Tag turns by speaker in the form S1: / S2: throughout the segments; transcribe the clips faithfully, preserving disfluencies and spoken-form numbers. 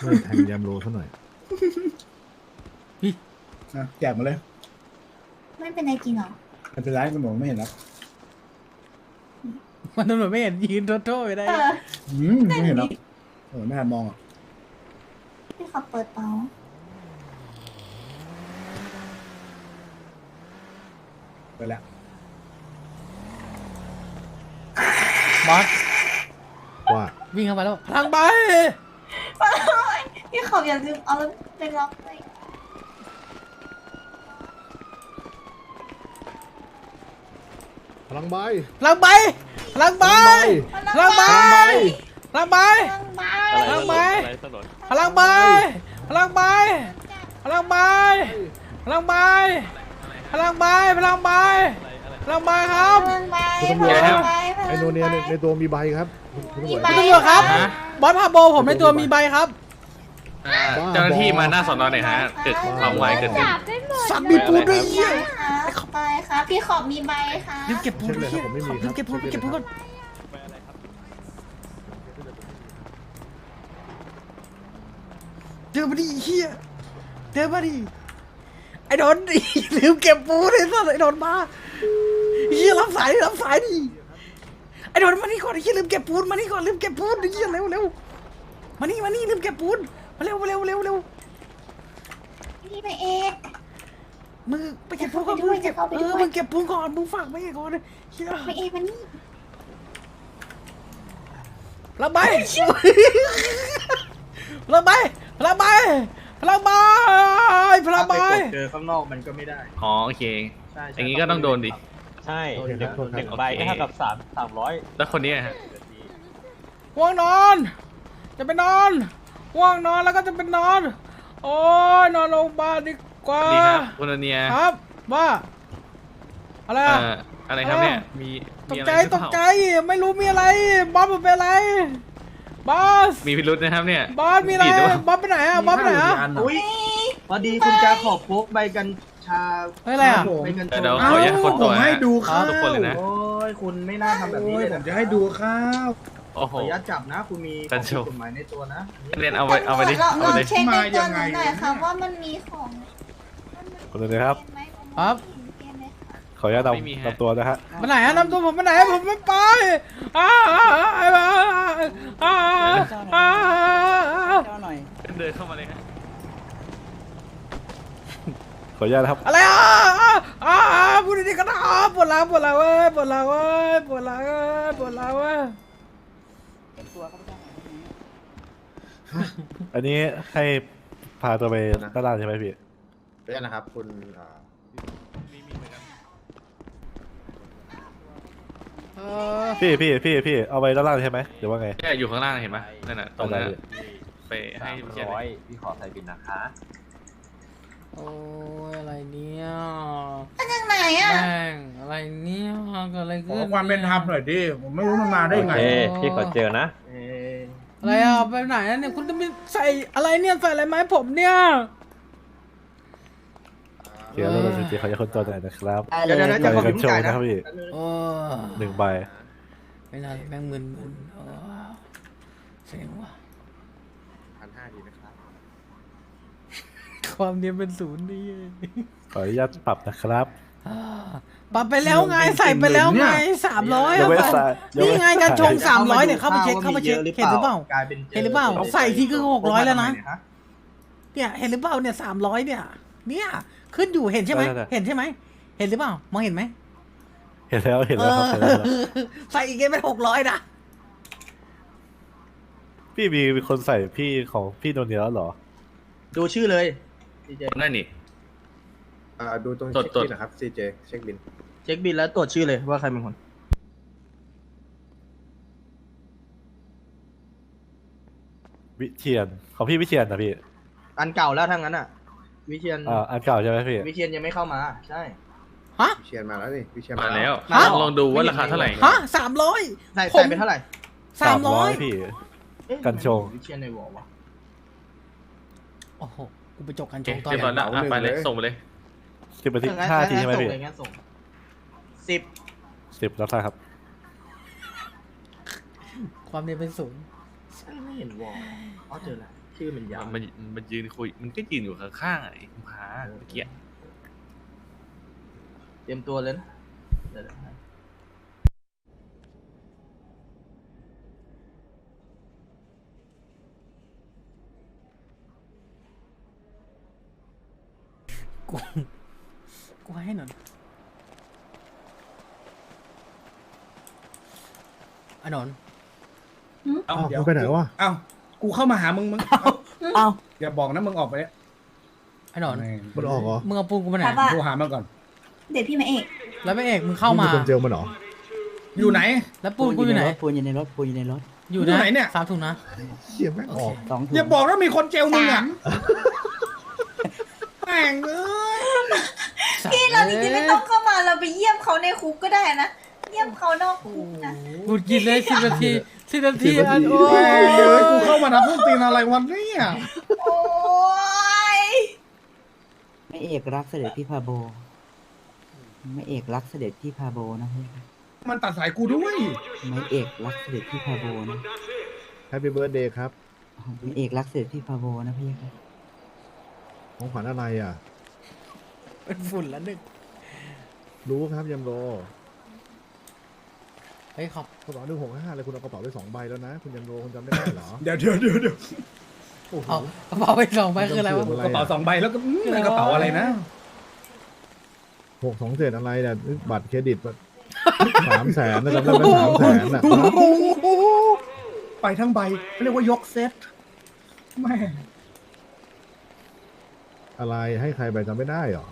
S1: ไม่แทงยามโลซะหน่อย
S2: นะแจกมาเลย
S3: ไม่เป็นไรจริงเหรอ
S2: ไม่เป็นไรตำรวจไม่เห็นหรอก
S4: มันตำรวจไม่เห็นยืนโทษไปได้
S3: เออ
S2: อืมไม่เห็นหรอกเออไม่ทันมองอ่ะ
S3: พี่ขับเปิดเตา
S2: ไปแล้ว
S4: บอส
S1: ว่า
S4: วิ่งเข้าไปแล้วพลังใบ
S3: พี่ขับอย่าลืมเอารถไปล็อกเลย
S1: พลังใบ
S4: พลังใบพลังใบพลังใบพลังใบ
S3: เครื่องบ้า
S4: พลังใบพลังใบพลังใบพลังใบพลังใบพลังใบพลังใบครับ
S3: เครื่องบ้า
S1: คุณตำรวจครับไอโนเนียในในตัวมีใบครับคุณคุณตำรวจ
S4: คุณตำรวจครับบอสพาโบผมในตัวมีใบครับ
S5: อ่าเจ้าหน้าที่มาหน้าสอนอหน่อยฮะเกิดความไวเกิดขึ้น
S3: จับได้หมด
S4: สับมีปูนด้วยเหี้ย
S3: ค่ะไปค่ะพี่ขอบมีใบค่ะ
S4: ลืมเก็บปูน
S1: เช็คเลยครับผมไม่มีค
S4: ลื
S1: รับ
S4: มเก็บปูนเก็บปูนก่อนเดินมาดิเฮียเดินมาดิไอ้โดนดิลืมเก็บปูนไอ้สัสไอ้โดนมาเฮียรับสายรับสายดิไอ้โดนมานี่ก่อนไอ้เฮียลืมเก็บปูนมานี่ก่อนลืมเก็บปูนไอ้เฮียเร็วเร็วมานี่มานี่ลืมเก็บปูนมาเร็วมาเร็วเร็วเร็ว
S3: พี่ไปเอก
S4: มึงไปเก็บปูนก่อนมึงเก็บเออมึงเก็บปูนก่อนมึงฝากไว้ก่อนเฮีย
S3: ไปเอกมานี่
S4: ระบายระบายระบายระบายระบาย
S6: เจอข้างนอกมันก็ไม่ได้
S5: อ๋อโอเค
S6: ใช่
S5: อย่างนี้ก็ต้องโดนดิ
S6: ใช่
S1: โอเคครับโทษครับ
S6: หนึ่งใบก็เท่ากับสามสามร้อย
S5: แล้วคนนี้ฮะ
S4: ว่างนอน จะไปนอน ว่างนอนแล้วก็จะไปนอน โอ้ยนอนโรงพยาบาลดีกว่า
S5: ดีครับคุณอเนีย
S4: ครับว่าอะไร
S5: เอ่
S4: อะ
S5: ออะไรครับเนี่ยมี
S4: ต
S5: มี
S4: ก
S5: อะไร
S4: ใจ
S5: หรือ
S4: ต
S5: เป
S4: ก
S5: ล่า
S4: ใจไม่รู้มีอะไรบอสมันเป็นอะไรบอส
S5: มีพิรุษนะครับเนี่ย
S4: บอสมีอะไร
S5: ดีดหเปล่า
S4: บอสไปไหนอะบอสไปไหนอะ
S6: อุ้ยพอดีคุณจะขอบพกใบกัญชา
S4: เฮ้ยอะไรอะ
S6: ใบกัญ
S5: เดี๋
S6: ชา
S5: ยวขออนุญาตคนตัว
S2: ผมให้
S5: ฮะ
S2: ดูข้าว
S5: ทุกคนเลยนะ
S6: โอ้ยคุณไม่น่าทำแบบนี้
S2: โอ้ย
S6: เลย
S2: ผ
S6: นะ
S2: มจะให้ดูข้าว
S5: โอ้โห
S6: ขออนุญาตจับนะ คุณมี
S5: กัญชา
S6: กฎหมายในตัวนะ
S5: เรียนเอาไปเอาไปดิ
S3: ลอง
S5: เอา
S3: ล
S5: ไป
S3: อง
S5: ดิ
S3: เช็คในตัวหนูหน่อยค่ะว่ามันมีของ
S1: คนเลยครับ
S4: ครับ
S1: ขออนุญาต
S5: ไม่มีฮะ
S1: นำนำตัวนะฮะ
S4: ไปไหนอะนำตัวผมไปไหนผมไม่ไปอ้าอ้าอ้าอ้าอ้าอ้า
S5: เดินเข้ามาเลยฮะ
S1: ขออนุญาตนะครับ
S4: อะไรอ่ะอ่าพูดดีๆก็ได้ปวดหลังปวดหลังเว้ยปวดหลังเว้ยปวดหลังเว้ยปวดหลังเว้ย
S1: อันนี้ให้พาตัวไปตลาดใช่ไหมพี่
S7: เพื่อนนะครับคุณอ่า
S5: มีมีเหมือนกัน
S4: เออ
S1: พี่พี่พี่พี่เอาไปตลาดใช่ไหมหรือว่าไง
S5: เนี่ยอยู่ข้างล่างเห็นไหมนั่นน่ะตรงนั้น
S1: ได้
S5: น่ะไปให้พี่เจน
S7: ร้อยพี่ขอใส่บินนะคะ
S4: โอ้ยอะไรเนี่ย
S3: มาจากไหนอ่ะ
S4: แม่งอะไรเนี่ยเกิดอะไร
S2: ข
S4: ขึ้
S2: อน ความเป็นธรรมหน่อยดิ ผมไม่รู้มันมาได้ไง
S7: พี่ขอเจอนะ
S6: เอ่อ
S4: อะไรอ่ะไปไหนอะเนี่ยคุณจะมีใส่อะไรเนี่ยใส่อะไรไหมาให้ผมเนี่ย
S1: เดี๋ยวเราจะเจอขออนุญาตคนตัวหน่อยนะครับ
S6: เดี๋ยวเดี๋ยวเดี๋ยวจะขอ
S1: กั
S6: พิ
S1: น
S6: มพ์
S1: โช
S6: จ่าย
S1: ว์
S6: นะ
S1: นะครับพี่
S4: โอ้
S1: หนึ่งใบ
S4: ไม่น่าแม่งมึนมึนๆโอ้เซ็งว่ะ
S7: พันห้าดีนะครับ
S4: ความเนียนเป็นศูนย์นี่
S1: ขออนุญาตปรับนะครับ
S4: อ่าปรับไปแล้วไงใส่ไปแล้วไงสามร้อย
S1: ยังไม่ใส่ยัง
S4: นี่
S1: ไม่
S4: ไงการชงสามร้อยเนี่ยเข้าไปเช็คเข้าไปเช็ค
S6: ว่มียอะ
S4: เห็นหรือเปล่า
S6: กลายเป็น
S4: เห็นหรือเปล่าใส่ทีคือหกร้อยแล้วนะ
S6: พกมาทำไมเยฮ
S4: เนี่ยเห็นหรือเปล่าเนี่ยสามร้อยเนี่ย เนี่ยขึ้นอยู่เห็นใช่ไหมเห็นใช่ไหมเห็นหรือเปล่ามองเห็นไหม
S1: เห็นแล้วเห็นแล้วครับเห็นแล้วครับ
S4: ใส่อีกไงเป็นหกร้อยนะ
S1: พี่มีมีคนใส่พี่ของพี่โนเนียแล้วเหรอ
S6: ดูชื่อเลยซีเจ
S5: นั่นนี่
S7: อ่าดูตรง
S5: ตรวจ
S7: เช็ค
S5: ตรวจ
S7: บินนะครับซีเจเช็คบิน
S6: เช็คบินแล้วตรวจชื่อเลยว่าใครเป็นคน
S1: วิเชียนของพี่วิเชียนนะพี่
S6: อันเก่าแล้วทั้งนั้นอ่ะ วิเชียน
S1: อ่าอันเก่าใช่ไหมพี่
S6: วิเชียนยังไม่เข้ามา ใช่
S4: ฮะ
S7: วิเชียนมาแล้วนี่วิเชียน
S5: มาแล้ว
S4: ฮะ
S5: ลองดูว่าราคาเท่าไหร่
S4: ฮะสามร้อย
S6: ใส่
S4: ผม
S6: ใส่เป็นเท่าไหร่
S4: สามร้อย
S1: พี่
S6: เอ๊ะ
S1: กันชง
S6: วิเชียนในวอลวะ
S4: โอ้โหกูไปจกกัน
S5: โอ
S4: ช
S5: เค
S4: งตอน
S5: เรียบร้อย
S4: ไหน
S5: แล้วอ่ะไปเลยส่งไปเลย
S1: สิบนาที
S6: งั้น
S1: ห้านาที
S6: งั้น
S1: ใช่ไหม
S6: ส่ง
S1: พี่
S6: เลยงั้นส่งสิบ
S1: สิบรับทราบครับ
S4: ความเนียนเป็นศูนย์
S6: ไม่เห็นวอลอ๋อเจอแล้วชื่อมันยาว
S5: มันมันยืนคุยมันก็ยืนอยู่ข้างๆไอ้คุณพาเมื่อกี้
S6: เตรียมตัวเลยนะเดี๋ยวนะ
S4: กูกูให้หน่อยไอ้นนท์
S2: เอ้า
S1: อ้าว
S2: เดี๋ยว
S1: มันไปไหนวะ
S2: เอ้ากูเข้ามาหามึงมึง
S6: เอ้า
S2: อย่าบอกนะมึงออกไปเนี่ย
S4: ไอ้นนท์
S1: มันออกเหรอ
S4: มึงเอาปูนกูไปไหน
S3: ครับว่า
S2: กูหามันก่อน
S3: เดี๋ยวพี่มาเอก
S4: แล้วไม่เอกมึงเข้ามา
S1: งเป็นคนเจลมันเหรอ
S2: อยู่ไหน
S4: แล้วปูนกูอยู่ไหน
S6: ปูนอยู่ในรถปูนอยู่ในรถ
S4: อยู่
S2: อยู่ไหนเนี่ย
S4: สามถุงนะ
S1: เชี่ยแม่งออก
S6: สองถุง
S2: อย่าบอกว่ามีคนเจลมึง
S3: สา
S2: อ่ะ
S3: ม
S2: แม่งเอ้ย
S3: พี่เราจริงๆไม่ต้องเข้ามาเราไปเยี่ยมเขาในคุกก็ได้นะ เยี่ยมเขานอกคุกนะ
S4: กูกินเลยสิบนาทีสิบนาทีอันโอ้
S2: แม่งเอ้ย
S4: ย
S2: กูเข้ามานะพวกตีนอะไรวันนี้อ่ะ
S3: โอ้ย
S8: ไม่เอกรักเสด็จพี่พาโบ ไม่เอกรักเสด็จพี่พาโบนะพี่
S2: มันตัดสายกูด้วย
S8: ไม่เอกรักเสด็จพี่พาโบนะ
S1: แฮปปี้เบิร์ดเดย์ครับ
S8: ไม่เอกรักเสด็จพี่พาโบนะพี่ครับ
S1: ของขวัญอะไรอ่ะ
S4: เป็นฝุ่นแล้วหนึ่ง
S1: รู้ครับยำโร
S4: เฮ้ยขอบ
S1: กระเป๋าหนึ่งหกห้าเลยคุณเอากระเป๋าไปสองใบแล้วนะ คุณยำโรคุณจำไม่ได้เหรอ
S2: เดี๋ยวเดี๋ยวเดี๋ยวเดี๋ยว
S1: โอ้โห
S4: เอากระเป๋าไปสองใบคืออะไรวะ
S2: กระเป๋าสองใบแล้วก็อืมกระเป๋าอะไรนะ
S1: หกสองเศษอะไรเนี่ยบัตรเครดิตสามแสนนะจำได้ไหมสามแสนอ่ะ
S2: ไปทั้งใบเรียกว่ายกเซตแม่
S1: อะไรให้ใครไปจำไม่ได้เหรอ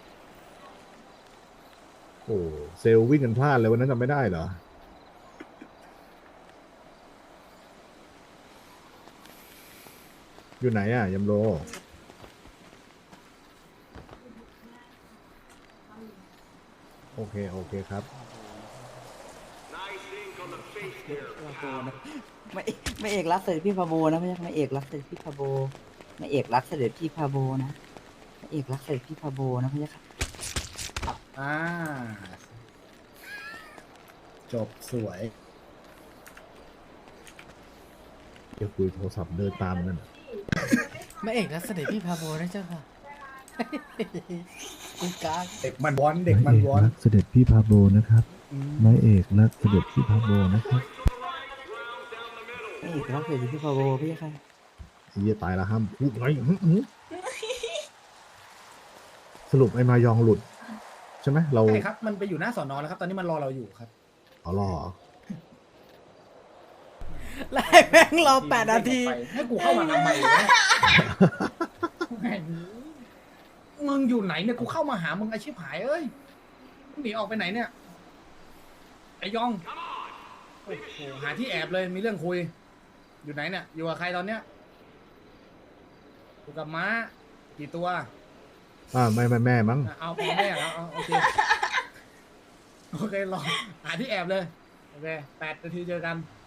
S1: โอ้เซลล์วิ่งกันพลาดเลยวันนั้นจำไม่ได้เหรอ อยู่ไหนอ่ะยำโร โอเค โอเคครับ
S8: ไม่ไม่เอกรักเสด็จพี่พาโบนะพี่ไม่เอกรักเสด็จพี่พาโบ ไม่เอกรักเสด็จพี่พาโบนะไม่เอกรักเสด็จพี่พาโบนะพี่ครับ
S2: อ่าจบสวย
S1: เดี๋ยวคุยโทรศัพท์เดินตามมันนั่นน่ะ
S4: ไม่เอกนะเสด็จพี่พาโบนะเจ้าค่ะกูกาก
S2: เด็กมันวอนเด็กมันวอน
S1: รักเสด็จพี่พาโบนะครับนายเอกรักเสด็จพี่พาโบนะครับ
S8: ไม่เอกรักเสด็จพี่พาโบพี่ครับ
S1: ไอ้เหี้ยตายแล้วห้ามพูดไงอื้อหือสรุปไอ้มายองหลุด ใช่ไหมเรา
S2: ใช่ครับ มันไปอยู่หน้าสอนอแล้วครับ ตอนนี้มันรอเราอยู่ครับ
S1: เอารอเหรอ
S4: แล้วให้แม่งรอแปดนาที
S2: ให้กูเข้ามาทำไมวะแม่งมึงอยู่ไหนเนี่ยกูเข้ามาหามึงไอชิบหายเอ้ยมึงหนีออกไปไหนเนี่ยไอยองโอ้โหหาที่แอบเลยมีเรื่องคุย อยู่ไหนเนี่ยอยู่กับใครตอนเนี้ยอยู่กับม้ากี่ตัว
S1: อ่าไม่ไม่แม่มั้ง
S2: อ่ะเอาพอแม่แล้วเอาโอเคโอเครอหาที่แอบเลยโอเคแปดนาทีเจอกัน